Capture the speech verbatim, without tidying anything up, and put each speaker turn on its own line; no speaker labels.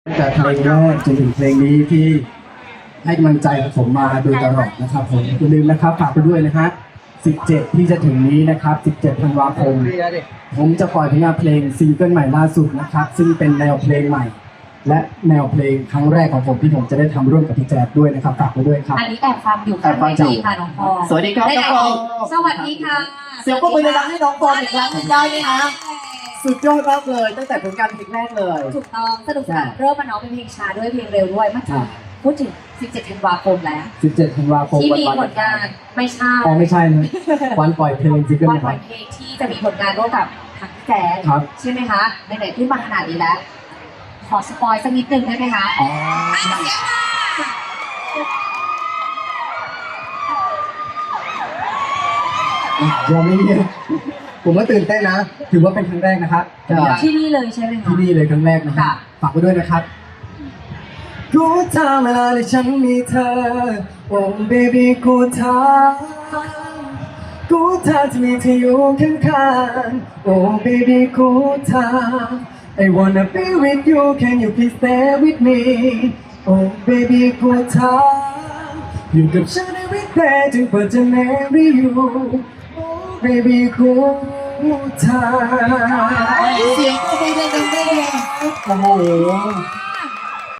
ตั้งแต่เพลงแรกจนถึงเพลงนี้ที่ให้กำลังใจผมมาโดยตลอดนะครับผมอย่าลืมนะครับฝากไปด้วยนะฮะสิบเจ็ดที่จะถึงนี้นะครับสิบเจ็ดธันวาคมผมจะปล่อยผลงานเพลงซิงเกิลใหม่ล่าสุดนะครับซึ่งเป็นแนวเพลงใหม่ และแนวเพลงครั้งแรกของผมที่ผมจะได้ทำร่วมกับพี่แจ๊ดด้วยนะครับฝากไปด้วยครับ
อันนี้แอบฟังอยู่
แอบฟังอยู่
ค่ะน้องพร
สวัสดีครับ
ได้
น้องพร
สวัสดีค่ะ
เสียงปรบมือดังๆให้น้องพรอีกครั้งหนึ่งได้ไหมคะสุดยอดมากเลยตั้งแต่ผลงานเพลงแรกเลย
ถูกต้องสนุกสนานเริ่มมาน้องเป็นเพลงช้าด้วยเพลงเร็วด้วยเมื่อ
ครั
กี้
บ
พูดถึงสิบเจ็ดธันวาคมแล้ว
สิบเจ็ดธันวาคม
ที่
วัน
มี
วัน
ผลงานไม่ใช่
อ๋อไม่ใช่นะวันปล่อยเพลงซิงเกิล
วัน
นะ
ป
ค
ล่
รั
อบ ยเพลงที่จะมีผลงานร่วมกับทางพี่แจ๊ด
ครับ
ใช่ไหมคะไหนๆขึ้นมาขนาดนี้แล้ว ขอสปอยสักนิดนึงได้ไหมคะ
อ๋อยังไม่เนี่ยผมก็ตื่นเต้นนะ ถือว่าเป็นครั้งแรกนะครับ
ที่นี่เลยใช่ไหมคะ
ที่นี่เลยครั้งแรกนะครั
ค่ะ
บฝากไปด้วยนะครับกูทำเวลาที่ฉันมีเธอ โอ้เบบี้กูทำกูทำที่มีเธออยู่ข้างๆโอ้เบบี้กูทำ I wanna be with you can you please stay with me โอ้ baby กูทำอยู่กับฉัน every day จนกว่าจะ marry you โอ้ baby กูทำ
เสียงปรบมือดังๆได้เลย
โอ้โห